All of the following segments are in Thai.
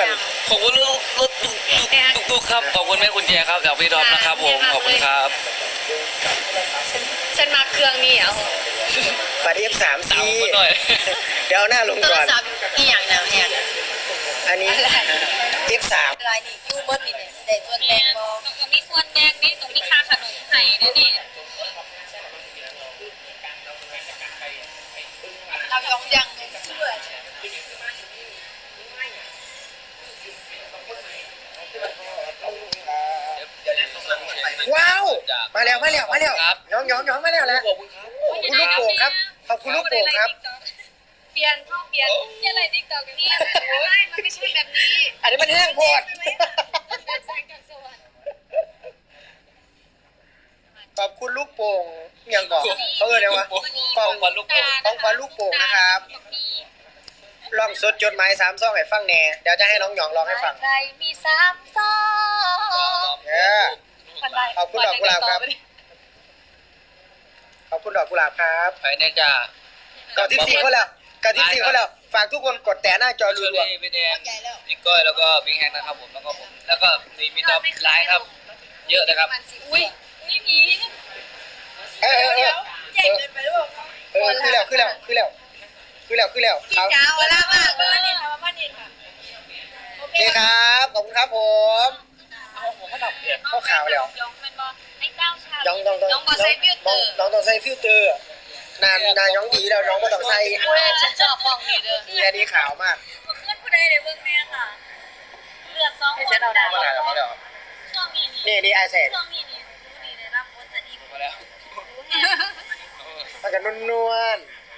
อนขอบคุณรถตุ๊กครับขอบคุณแม่คุณแจครับจากพี่ดอมนะครับผมขอบคุณครับฉันมาเครื่องนี่อ่ะบัตร F3 ตามซีผมหน่อยเดี๋ยวหน้าลงโทก่รอนศัพท์อีหยังนะเนี่ยอันนี้ F3 อะไรนี่ยูเบิร์ดนี่เนี่ยได้ส่วนแบ่งบ่ตรงก็มีส่วนแดงนี่ตรงมีค่าขนมไข่ด้วยนี่เรายองยังเชื่อว้าวมาแล้วครับน้องมาแล้วแหละขอบคุณครับขอบคุณลูกโป่งครับขอบคุณลูกโป่งครับเปลี่ยนอะไรติ๊กต็อกนี่ไม่มันไม่ใช่แบบนี้อันนี้มันแห้งโพดแบบแสงจากสวรรค์ขอบคุณลูกโป่งยังบอกเขาเอ่ยว่าของขวัญลูกโป่งของขวัญลูกโป่งนะครับลองสดจดหมาย3 ซองให้ฟังแหน่เดี๋ยวจะให้น้องหยองร้องให้ฟังใครมี3 ซองขอบคุณดอกกุหลาบครับขอบคุณดอกกุหลาบครับไปเนี่ยจ้ากับทิปซีเขาแล้วฝากทุกคนกดแต่หน้าจอเชรัอวรี่พี่แดงพี่ก้อยแล้วก็พี่แฮงนะครับผมแล้วก็มีดอมไลน์ครับ เยอะเลยครับอุ้ยผีๆเออใหญ่เกินไปหรือเปล่าคือแล้วพี่ครับจ๋าเวลามากเวลาเนี่ยมาบ้านเนี่ยค่ะโอเคครับขอบคุณครับผมเข้าข่าวแล้วยองเป็นบอไอ้เจ้าชาน้องต้องใส่ฟิลเตอร์นานน้องดีแล้วน้องก็ต้องใส่เว้ยฉันชอบฟองนี่เด้อนี่อันนี้ขาวมากเพื่อนผู้ใดในเบื้องแม่ค่ะเลือก2 คนมาแล้วช่วงนี้นี่ไอแสนช่วงนี้ได้รับผลจะดีมาแล้วมันจะนวล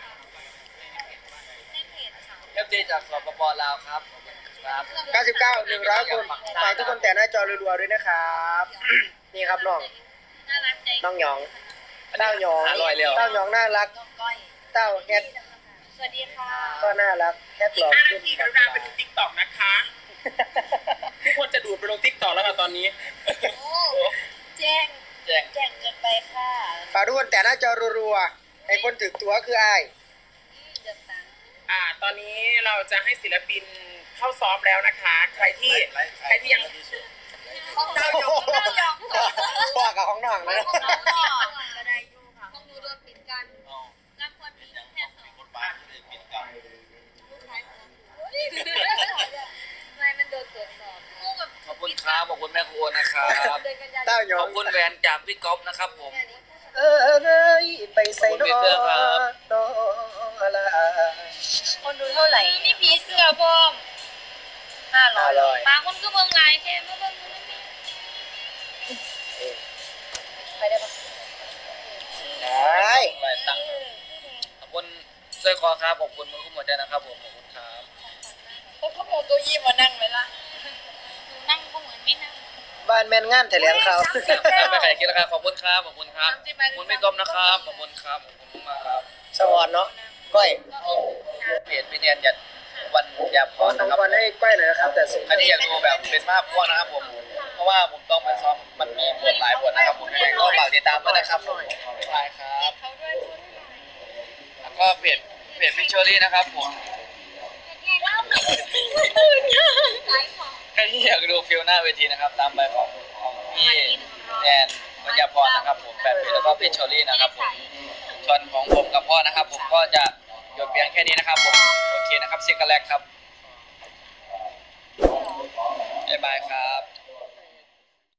ในเพจค่ะเอฟซีจากสปปลาวครับครับ 99 100 คนฝากทุกคนแต่หน้าจอรัวๆด้วยนะครับ นี่ครับน้องน่ารักใจน้องหยองเต้าหยองหาลอยเร็วเต้าหยองน่ารักน้องก้อยเต้าแฮกสวัสดีค่ะก็น่ารักแฮกหลอกขึ้นที่เราไปดูติ๊กต็อกนะคะทุกคนจะดูดไปลงติ๊กต็อกแล้วค่ะตอนนี้โอ้แจ้งเกินไปค่ะฝากทุกคนแต่หน้าจอรัวๆไอ้คนถือตัวคืออ้ายเดือดตังตอนนี้เราจะให้ศิลปินเข้าซ้อมแล้วนะคะ ใครที่ยังของเรายองพ่อกับของน้องนะของเราก็ได้อยู่ค่ะของหนูโดนปิดกันรับคนที่แค่2 คนบ้านเลยปิดกันไม่มันโดนตรวจสอบงูแบบขอบคุณครับขอบคุณแม่ครัวนะครับเดินกันยาเต้าหยขออง บคุณแหวนจากพี่ก๊อฟนะครับผมเอ้ยไปใส่น้องน้องละคนดูเท่าไหร่มีผีเสื้อบอม 500 บางคนก็เบิ่งหลายแค่มาเบิ่งมันไม่ไปได้ปะได้ไปตังค์ขอบคุณสร้อยคอครับขอบคุณมือคุ้มหัวใจนะครับผมขอบคุณครับเขาโมตัวยี่มานั่งไหมล่ะหนูนั่งก็เหมือนไม่นั่งบ้านแม่นงานแถลงข่าวไม่ใครคิดนะครับขอบคุณครับขอบคุณครับขอบคุณพี่ก๊อฟนะครับขอบคุณครับขอบคุณมากครับสวรรค์เนาะก้อยเพจพี่เนียนยันวันยาพขอรน้องนะครับบอลให้ก้อยหน่อยนะครับ แต่สุดอันนี้อยากดูแบบเป็นภาพพวกนะครับผมเพราะว่าผมต้องไปซ้อมมันมีบทหลายบทนะครับผมยังไงก็ฝากติดตามด้วยนะครับผมบายครับแล้วก็เพจพี่เชอรี่นะครับผมใครที่อยากดูฟิลหน้าเวทีนะครับตามไปของพี่แนนวัญญาพรนะครับผมแบบแล้วก็พี่เชอรี่นะครับผมส่วนของผมกับพ่อนะครับ ผมก็จะหยุดเพียงแค่นี้นะครับผมโอเคนะครับซิกกันแรกครับบ๊ายบายครับ